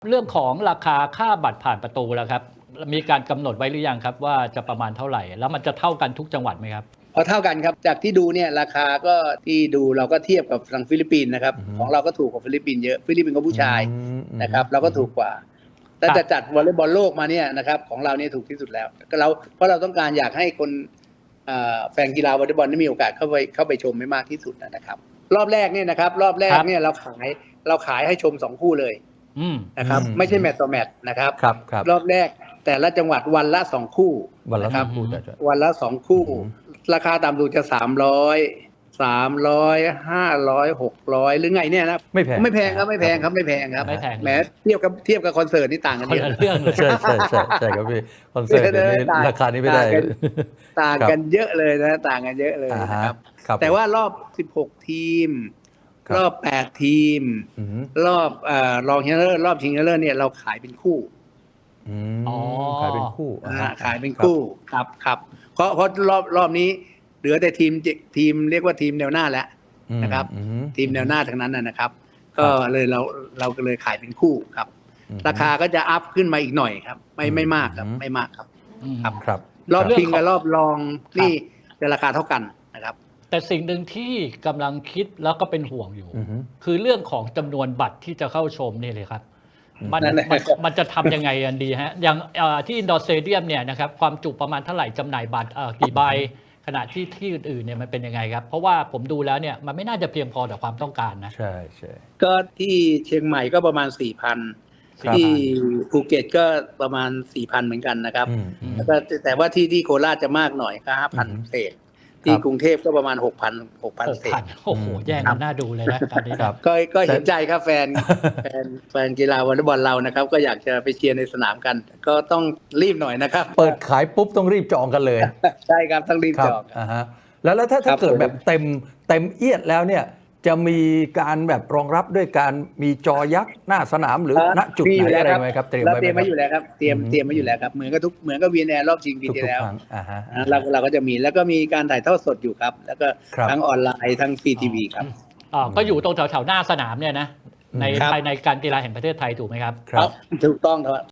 เรื่องของราคาค่าบัตรผ่านประตูแล้วครับมีการกำหนดไว้หรือยังครับว่าจะประมาณเท่าไหร่แล้วมันจะเท่ากันทุกจังหวัดไหมครับพอเท่ากันครับจากที่ดูเนี่ยราคาก็ที่ดูเราก็เทียบกับทางฟิลิปปินส์นะครับของเราก็ถูกกว่าฟิลิปปินส์เยอะฟิลิปปินส์ก็ผู้ชายนะครับเราก็ถูกกว่าแต่จะจัดวอลเลย์บอลโลกมาเนี่ยนะครับของเราเนี่ยถูกที่สุดแล้วก็เราเพราะเราต้องการอยากให้คนแฟนกีฬาวอลเลย์บอลได้มีโอกาสเข้าไปชมให้มากที่สุดนะครับรอบแรกเนี่ยนะครับรอบแรกเนี่ยเราขายให้ชม2คู่เลยนะครับไม่ใช่แมตต์ต่อแมตต์นะครับรอบแรกแต่ละจังหวัดวันละ2คู่นะครับวันละ2คู่ราคาต่ำสุดจะ300 500 600หรือไงเนี่ยนะไม่แพงครับแหมเทียบกับคอนเสิร์ตนี่ต่างกันเยอะเรื่องเลยใช่ครับพี่คอนเสิร์ตนี้ราคานี้ไม่ได้ต่างกันเยอะเลยนะต่างกันเยอะเลยนะครับแต่ว่ารอบ16ทีมรอบ8ทีมรอบรองชนะเลิศรอบชิงชนะเลิศเนี่ยเราขายเป็นคู่ขายเป็นคู่ขายเป็นคู่ครับเพราะรอบนี้เหลือแต่ทีมเรียกว่าทีมแนวหน้าแล้วนะครับทีมแนวหน้าทั้งนั้นนะครับก็เลยเราก็เลยขายเป็นคู่ครับราคาก็จะอัพขึ้นมาอีกหน่อยครับไม่มากครับไม่มากครับครับรอบชิงกับรอบรองนี่จะราคาเท่ากันนะครับแต่สิ่งหนึ่งที่กำลังคิดแล้วก็เป็นห่วงอยู่คือเรื่องของจำนวนบัตรที่จะเข้าชมนี่เลยครับมันจะทำยังไงกันดีฮะอย่างที่อินดอร์สเตเดียมเนี่ยนะครับความจุประมาณเท่าไหร่จำหน่ายบัตรกี่ใบขณะที่อื่นๆเนี่ยมันเป็นยังไงครับเพราะว่าผมดูแล้วเนี่ยมันไม่น่าจะเพียงพอต่อความต้องการนะใช่ก็ที่เชียงใหม่ก็ประมาณ 4,000 ที่ภูเก็ตก็ประมาณ 4,000 เหมือนกันนะครับแล้วก็แต่ว่าที่โคราชจะมากหน่อยก็ 5,000 เศษที่กรุงเทพก็ประมาณ 6,000 เศษโอ้โหแย่งกันน่าดูเลยนะตอนนี้ก็เห็นใจครับแฟนกีฬาวอลเลย์บอลเรานะครับก็อยากจะไปเชียร์ในสนามกันก็ต้องรีบหน่อยนะครับเปิดขายปุ๊บต้องรีบจองกันเลยใช่ครับต้องรีบจองแล้วถ้าเกิดแบบเต็มเอียดแล้วเนี่ยจะมีการแบบรองรับด้วยการมีจอยักษ์หน้าสนามหรือณจุดไหนอะไรไหมครับเตรียมไว้อยู่แล้วครับเตรียมไว้อยู่แล้วครับเหมือนกับวีแนรอบชิงปีที่แล้วเราก็จะมีแล้วก็มีการถ่ายทอดสดอยู่ครับแล้วก็ทั้งออนไลน์ทั้งฟรีทีวีครับก็อยู่ตรงแถวหน้าสนามเนี่ยนะในภายในการกีฬาแห่งประเทศไทยถูกไหมครับถูกต้อง